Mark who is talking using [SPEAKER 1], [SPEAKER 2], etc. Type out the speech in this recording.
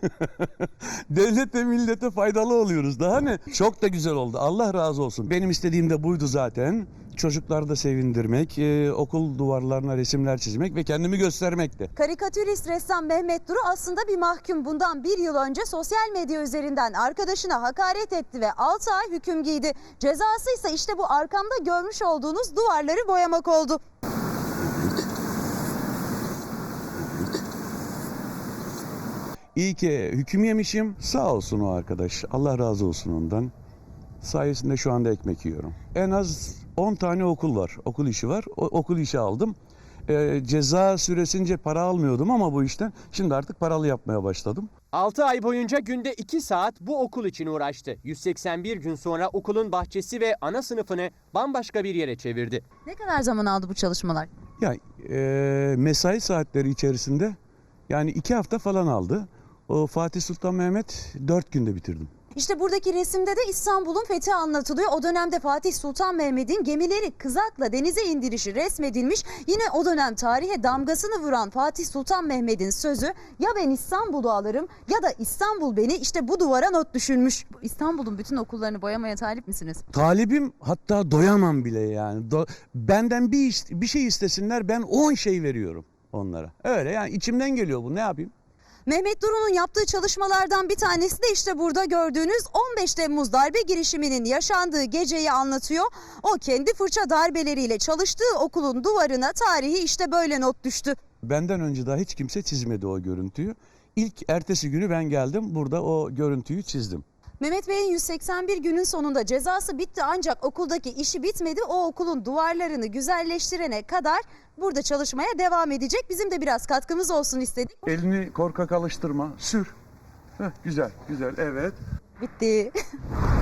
[SPEAKER 1] Devlete millete faydalı oluyoruz daha ne? Çok da güzel oldu. Allah razı olsun. Benim istediğim de buydu zaten. Çocukları da sevindirmek, okul duvarlarına resimler çizmek ve kendimi göstermekti.
[SPEAKER 2] Karikatürist ressam Mehmet Duru aslında bir mahkum. Bundan bir yıl önce sosyal medya üzerinden arkadaşına hakaret etti ve 6 ay hüküm giydi. Cezası ise işte bu arkamda görmüş olduğunuz duvarları boyamak oldu.
[SPEAKER 1] İyi ki hüküm yemişim. Sağ olsun o arkadaş. Allah razı olsun ondan. Sayesinde şu anda ekmek yiyorum. En az 10 tane okul var. Okul işi var. Okul işi aldım. Ceza süresince para almıyordum ama bu işten şimdi artık paralı yapmaya başladım.
[SPEAKER 3] 6 ay boyunca günde 2 saat bu okul için uğraştı. 181 gün sonra okulun bahçesi ve ana sınıfını bambaşka bir yere çevirdi.
[SPEAKER 2] Ne kadar zaman aldı bu çalışmalar?
[SPEAKER 1] Ya mesai saatleri içerisinde yani 2 hafta falan aldı. O Fatih Sultan Mehmet 4 günde bitirdim.
[SPEAKER 2] İşte buradaki resimde de İstanbul'un fethi anlatılıyor. O dönemde Fatih Sultan Mehmet'in gemileri kızakla denize indirişi resmedilmiş. Yine o dönem tarihe damgasını vuran Fatih Sultan Mehmet'in sözü ya ben İstanbul'u alırım ya da İstanbul beni, işte bu duvara not düşülmüş. İstanbul'un bütün okullarını boyamaya talip misiniz?
[SPEAKER 1] Talibim, hatta doyamam bile yani. Benden bir şey istesinler, ben 10 şey veriyorum onlara. Öyle yani, içimden geliyor bu, ne yapayım?
[SPEAKER 2] Mehmet Duru'nun yaptığı çalışmalardan bir tanesi de işte burada gördüğünüz 15 Temmuz darbe girişiminin yaşandığı geceyi anlatıyor. O kendi fırça darbeleriyle çalıştığı okulun duvarına tarihi işte böyle not düştü.
[SPEAKER 1] Benden önce daha hiç kimse çizmedi o görüntüyü. İlk ertesi günü ben geldim, burada o görüntüyü çizdim.
[SPEAKER 2] Mehmet Bey'in 181 günün sonunda cezası bitti ancak okuldaki işi bitmedi. O okulun duvarlarını güzelleştirene kadar burada çalışmaya devam edecek. Bizim de biraz katkımız olsun istedik.
[SPEAKER 1] Elini korkak alıştırma, sür. Heh, güzel, güzel, evet.
[SPEAKER 2] Bitti.